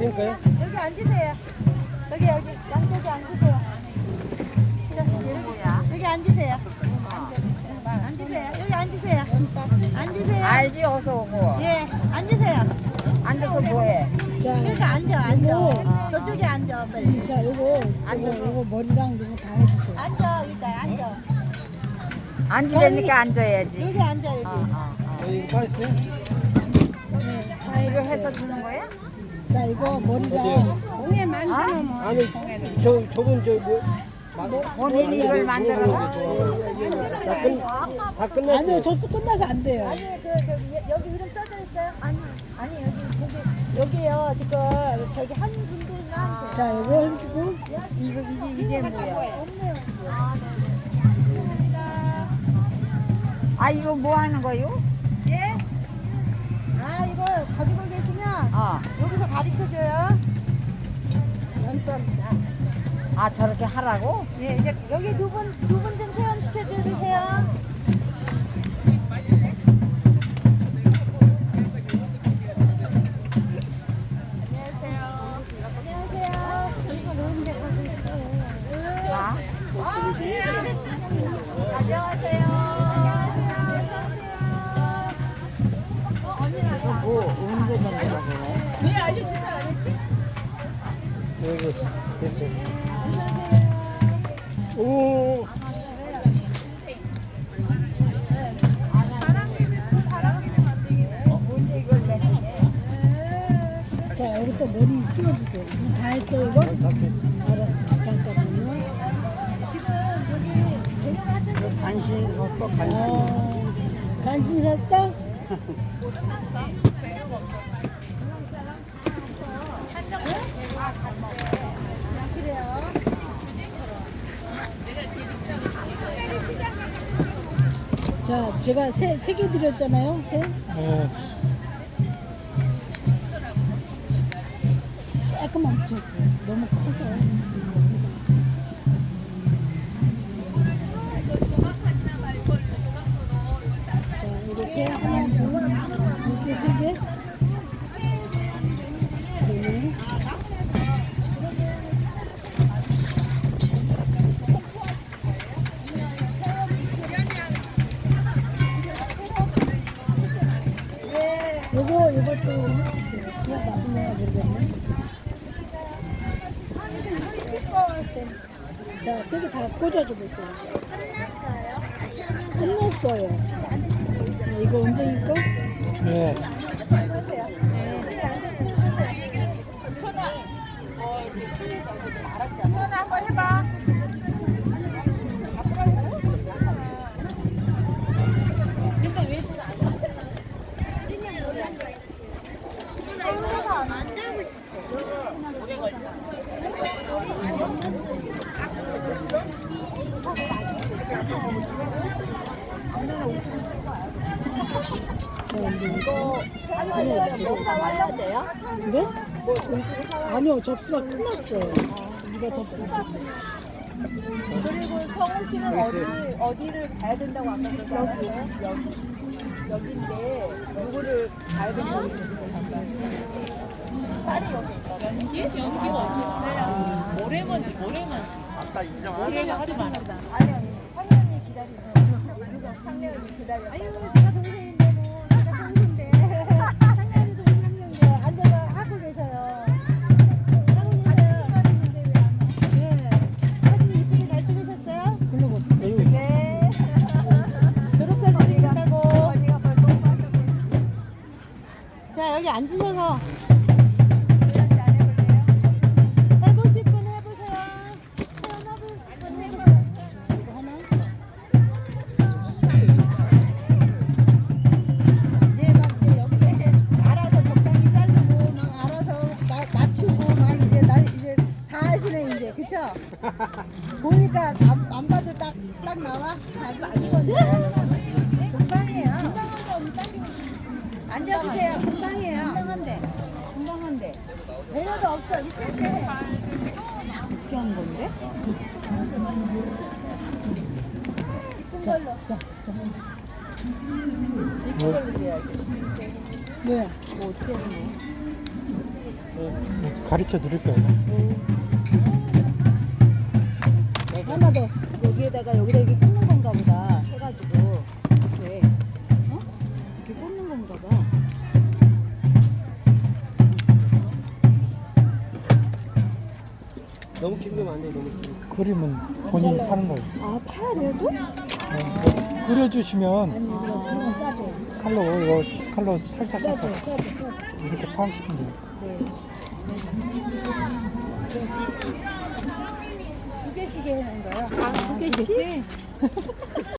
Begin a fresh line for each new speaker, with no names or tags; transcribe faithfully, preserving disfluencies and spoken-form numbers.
앉을까요?
여기 앉으세요. 여기 여기 양쪽에 앉으세요. 여기 앉으세요. 앉으세요. 여기 앉으세요. 앉으세요.
알지 어서 오고.
예, 앉으세요.
앉아서 뭐해?
자,
그러니까 앉아, 앉아. 저쪽에 앉아, 빨리.
자, 요거, 요거, 요거 머리랑 이거 다 해주세요.
앉아, 일단 앉아.
앉으려니까 앉아야지.
여기 앉아, 여기.
어, 어, 어.
어, 이거 다 했어요?
이거 해서 주는 거야?
자, 이거 머리랑.
어?
아니, 저, 저건 저 뭐?
본인이 이걸 만들어 놔?
다, 끝, 다 끝났어요.
아니요, 접수 끝나서 안 돼요.
아니, 그, 저기, 여- 여기 이름 써져 있어요? 아니, 아니, 여기, 여기, 여기요, 지금, 저기 한 분들만.
자, 요거 해주고.
이거 이게 이게 뭐야?
없네요. 아, 네. 감사합니다.
아 이거 뭐 하는 거요?
예? 아, 이거 가지고 계시면
어.
여기서 가르쳐줘요. 연수합니다.
아 저렇게 하라고?
예, 이제 여기 두 분, 두 분 좀 체험시켜드리세요. 안녕하세요.
아?
아, 그래요?
안녕하세요.
안녕하세요. 어서오세요.
이거 뭐 언제 만들어 그래?
여기 됐어요.
안녕하세요.
오,
언제 이걸 맺으게?
자, 여기 또 머리 끼워주세요. 이거 다 했어, 이거?
다 됐어.
알았어, 잠깐만요.
지금 여기 저녁 하던
간신 섰어, 간신.
어, 간신 샀어?
그래요.
자, 제가 세, 세 개 드렸잖아요, 세?
어,
조금만 붙였어요. 너무 커서. 자, 이거 세, 하나, 둘, 이렇게 세 개. 네. 요거, 요것도 해주세요. 그냥 나중에 모르겠네. 자, 세 개 다 꽂아줘 보세요. 끝났어요. 네, 이거 언제니까?
네.
안녕하세요. 여기 앉아서 해보세요.
현아 한번 해봐.
그래? 아니요, 접수가 끝났어요. 네가 접수지.
그리고 성우 씨는 어디 어디를 가야 된다고 아까 그러잖아요. 여기 여기인데 누구를 가야 된다고 그러잖아요. 딸이 여기 있다. 연기? 연기가 어디? 모래먼지 모래먼지. 아까 인정. 모래가 하지 마라.
아니, 아니. 상련이 기다리세요. 누가? 상련이 기다려. 아유, 제가 동생인데 뭐, 제가 동생인데. 상련이도 동생인데 앉아서 하고 계셔요. 하고 계셔요. 예. 사진 이쁘게 잘 찍으셨어요?
그리고
네. 졸업사진 찍는다고.
언니가 벌써 오빠한테
자, 여기 앉으셔서
그런지 안 해볼래요?
해보실 분 해보세요. 태어나볼 분 해보세요. 이거 하나? 네, 막 이제 여기서 이제 알아서 적당히 자르고 막 알아서 마, 맞추고 막 이제 나 이제 다 하시네 이제 그쵸? 보니까 안, 안 봐도 딱 딱 나와. 자기 금방이에요. 앉아주세요. 금방이에요.
금방한데. 금방한데.
배려도 없어. 이때 때.
어떻게 하는 건데?
이쁜 걸로.
자, 자,
이쁜 걸로 드려야지.
뭐야?
뭐 어떻게 하는 거야?
가르쳐 드릴 거예요.
하나 더.
여기에다가 여기다 이렇게 꽂는 건가 보다 해가지고 이렇게 어? 이렇게 꽂는 건가 봐.
너무 긴 거면 안 돼, 너무 긴 거. 그림은 본인이 하는 거예요.
아 파야래도?
네, 그려주시면
아니 이거 그냥 싸줘.
칼로 이거 칼로 살짝
싸줘,
살짝
싸줘, 싸줘.
이렇게 파시면 돼요.
두 개씩 해놓은 거요.
두 개씩?